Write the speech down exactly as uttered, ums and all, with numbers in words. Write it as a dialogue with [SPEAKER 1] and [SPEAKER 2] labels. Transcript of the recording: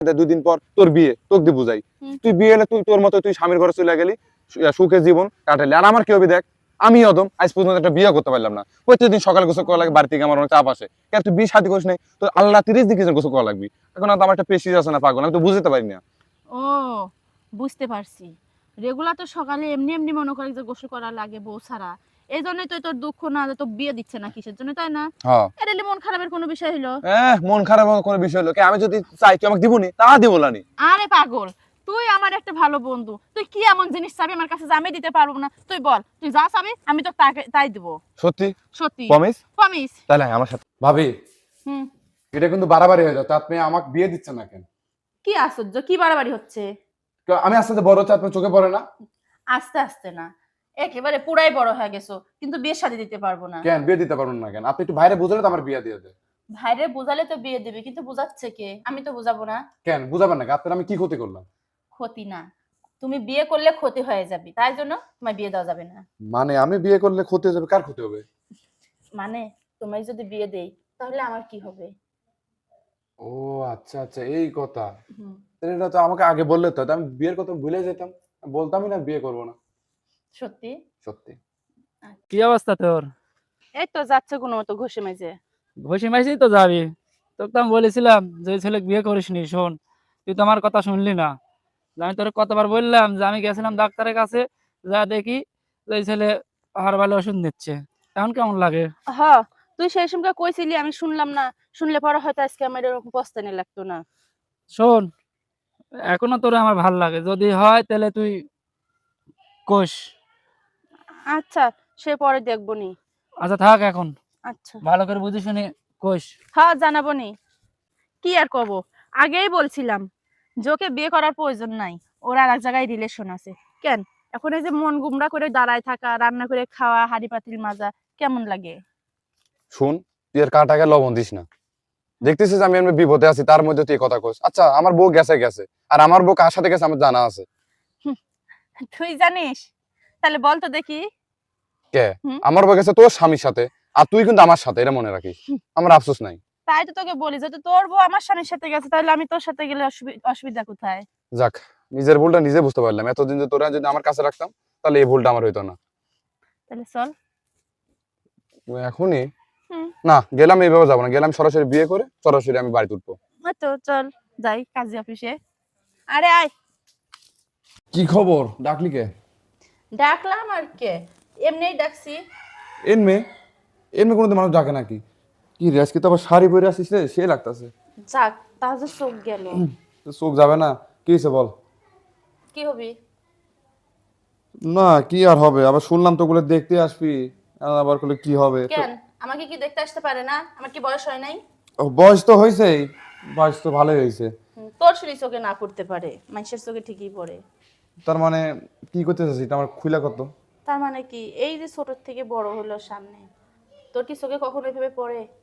[SPEAKER 1] দুই দিন পর তোর বিয়ে, তোকে দিয়ে বুঝাই। তুই বিয়ে হলে তুই তোর মতো তুই স্বামীর ঘরে চলে গেলি, সুখে জীবন কাটালি। আর আমার কি হবে দেখ, আমি অদম আজ পর্যন্ত একটা বিয়ে করতে পারলাম না। প্রত্যেকদিন সকালে গোসল করা লাগে, বাড়ি থেকে আমার অনেক চাপ আসে। কেন তুই বিয়ে শাদী করিস নাই? তো আল্লাহ তিরিশ দিন কিছু গোসল করা লাগবি। এখন তো আমার একটা পেশিস আছে না পাগল, আমি তো বুঝতে পারি না।
[SPEAKER 2] ও বুঝতে পারছি, রেগুলার তো সকালে এমনি এমনি মনে করি যে গোসল করা লাগে বউ ছাড়া। এই জন্যই তো তোর দুঃখ না যে তোর বিয়ে দিচ্ছে না কিসের জন্য, তাই না?
[SPEAKER 1] হ্যাঁ
[SPEAKER 2] এটা মন খারাপের কোনো বিষয় হলো?
[SPEAKER 1] হ্যাঁ, মন খারাপ হওয়ার কোনো বিষয় হলো কি? আমি যদি চাই তুই আমাকে দিবনি, তা দিব না।
[SPEAKER 2] আরে পাগল, তুই আমার একটা ভালো বন্ধু, তুই কি এমন জিনিস চাবি আমার কাছে যে আমি দিতে পারবো না? তুই বল, তুই যা চাবি আমি তো তাকে তাই দিব।
[SPEAKER 1] সত্যি?
[SPEAKER 2] সত্যি
[SPEAKER 1] প্রমিস?
[SPEAKER 2] প্রমিস।
[SPEAKER 1] তাহলে আমার সাথে।
[SPEAKER 3] ভাবি,
[SPEAKER 2] হুম।
[SPEAKER 3] এটা কিন্তু বাড়াবাড়ি হয়ে যাচ্ছে। আপনি আমাকে বিয়ে দিচ্ছেন না কেন?
[SPEAKER 2] কি আশ্চর্য, কি বাড়াবাড়ি হচ্ছে?
[SPEAKER 3] আমি আস্তে আস্তে বড় হচ্ছে, আপনার চোখে পড়ে না?
[SPEAKER 2] আস্তে আস্তে না, একেবারে পুরাই বড় হয়ে গেছো, কিন্তু বিয়ে শাদী দিতে পারবো না।
[SPEAKER 3] কেন বিয়ে দিতে পারবেন না কেন? আপনি একটু বাইরে বুঝালে তো আমার বিয়ে দিয়ে দেয়।
[SPEAKER 2] ভাইরে বুঝালে তো বিয়ে দেবে, কিন্তু বুঝাচ্ছে কে? আমি তো বুঝাবো না।
[SPEAKER 3] কেন বুঝাবেন না? আপনার আমি কি ক্ষতি করলাম?
[SPEAKER 2] ক্ষতি না, তুমি বিয়ে করলে ক্ষতি হয়ে যাবে, তাই জন্য তোমার বিয়ে দেওয়া যাবে না।
[SPEAKER 3] মানে আমি বিয়ে করলে ক্ষতি হয়ে যাবে? কার ক্ষতি হবে?
[SPEAKER 2] মানে তোমায় যদি বিয়ে দেই তাহলে আমার কি হবে?
[SPEAKER 3] ও আচ্ছা আচ্ছা, এই কথা।
[SPEAKER 2] হুম।
[SPEAKER 3] তাহলে এটা তো আমাকে আগে বললে তো, আমি বিয়ের কথা ভুলে যেতাম। বলতামই না বিয়ে করবো না।
[SPEAKER 2] সত্যি?
[SPEAKER 3] সত্যি।
[SPEAKER 4] কি অবস্থা তোর?
[SPEAKER 2] এই তো যাচ্ছে কোনো মতো ঘষে মেজে।
[SPEAKER 4] ঘষি মাইসি তো যাবি। তোকে তো আমি বলেছিলাম যে ওই ছেলে বিয়ে করিসনি। শোন, তুই তো আমার কথা শুনলি না। আমি তোর কতবার বললাম যে আমি গেছিলাম ডাক্তারের কাছে, যা দেখি যে ওই ছেলে হারবালে ওষুধ নিচ্ছে। এখন কেমন লাগে?
[SPEAKER 2] হ, তুই সেই সময় কইছিলি, আমি শুনলাম না। শুনলে পরে হয়তো আজকে আমার এরকম পস্তানি লাগতো না।
[SPEAKER 4] শোন, এখনো তোর আমার ভাল লাগে, যদি হয় তাহলে তুই কোষ।
[SPEAKER 2] আচ্ছা, সে পরে দেখবো নি।
[SPEAKER 4] আচ্ছা থাক এখন,
[SPEAKER 2] আচ্ছা।
[SPEAKER 4] ভালো করে বুঝে শুনে কোষ।
[SPEAKER 2] হ্যাঁ জানাবো নি। কি আর কব, আগেই বলছিলাম যোকে বিয়ে করার প্রয়োজন নাই, ওর আর এক জায়গায় রিলেশন আছে। কেন এখন এই যে মন গুমরা করে দাঁড়ায় থাকা, রান্না করে খাওয়া, হাড়ি পাতিল মাজা কেমন লাগে?
[SPEAKER 1] শুন, তুই এর কাটাকে লবণ দিস না। দেখতেছিস আমি এমনি বিপদে আছি, তার মধ্যে তুই কথা কস। আচ্ছা আমার বউ গেছে গেছে, আর আমার বউ কার সাথে গেছে আমার জানা আছে।
[SPEAKER 2] তুই জানিস? তাহলে বল তো দেখি।
[SPEAKER 1] কে?
[SPEAKER 2] হুম।
[SPEAKER 1] আমার বউ গেছে তোর স্বামীর সাথে, আর তুই কিন্তু আমার সাথে, এটা মনে রাখিস। আমার আফসোস নাই।
[SPEAKER 2] তাই তো তোকে বলি, যদি তোর বউ আমার স্বামীর সাথে গেছে তাহলে আমি তোর সাথে গেলে অসুবি- অসুবিধা কোথায়?
[SPEAKER 1] যাক, নিজের ভুলটা নিজে বুঝতে পারলাম। এতদিন যে তোরা যদি আমার কাছে রাখতাম তাহলে এই ভুলটা আমার হইতো না।
[SPEAKER 2] তাহলে চল।
[SPEAKER 1] এখনই?
[SPEAKER 2] হুম।
[SPEAKER 1] না, গেলাম এইভাবে যাবো না, গেলাম সরাসরি বিয়ে করে সরাসরি আমি বাড়ি উঠবো।
[SPEAKER 2] ওই তো চল যাই কাজী অফিসে। আরে আয়।
[SPEAKER 3] কি খবর? ডাকলি কে?
[SPEAKER 2] ডাকলাম আর কে, এমনিই ডাকছি।
[SPEAKER 3] এনমে এনমে কোনোদিন মানুষ ডাকে নাকি? কি রে, আজকে তো আবার শাড়ি পরে আসিস রে, সে লাগতাছে।
[SPEAKER 2] যাক, তাহলে চোখ গেল।
[SPEAKER 3] চোখ যাবে না? কি হয়েছে বল?
[SPEAKER 2] কি হবি?
[SPEAKER 3] না কি আর হবে, আবার শুনলাম তো ওগুলো দেখতে আসবি। আবার বলে কি হবে?
[SPEAKER 2] কেন আমাকে কি দেখতে আসতে পারে না? আমার কি বয়স হয় নাই?
[SPEAKER 3] ও, বয়স তো হয়েছেই, বয়স তো ভালোই হয়েছে।
[SPEAKER 2] হুম, তোর শুনি চোখে না পড়তে পারে, মানুষের চোখে ঠিকই পড়ে।
[SPEAKER 3] তার মানে কি করতে চাচ্ছিস এটা আমার খুইলা কত?
[SPEAKER 2] তার মানে কি, এই যে ছোট থেকে বড় হলো সামনে, তোর কি চোখে কখনো এভাবে পড়ে?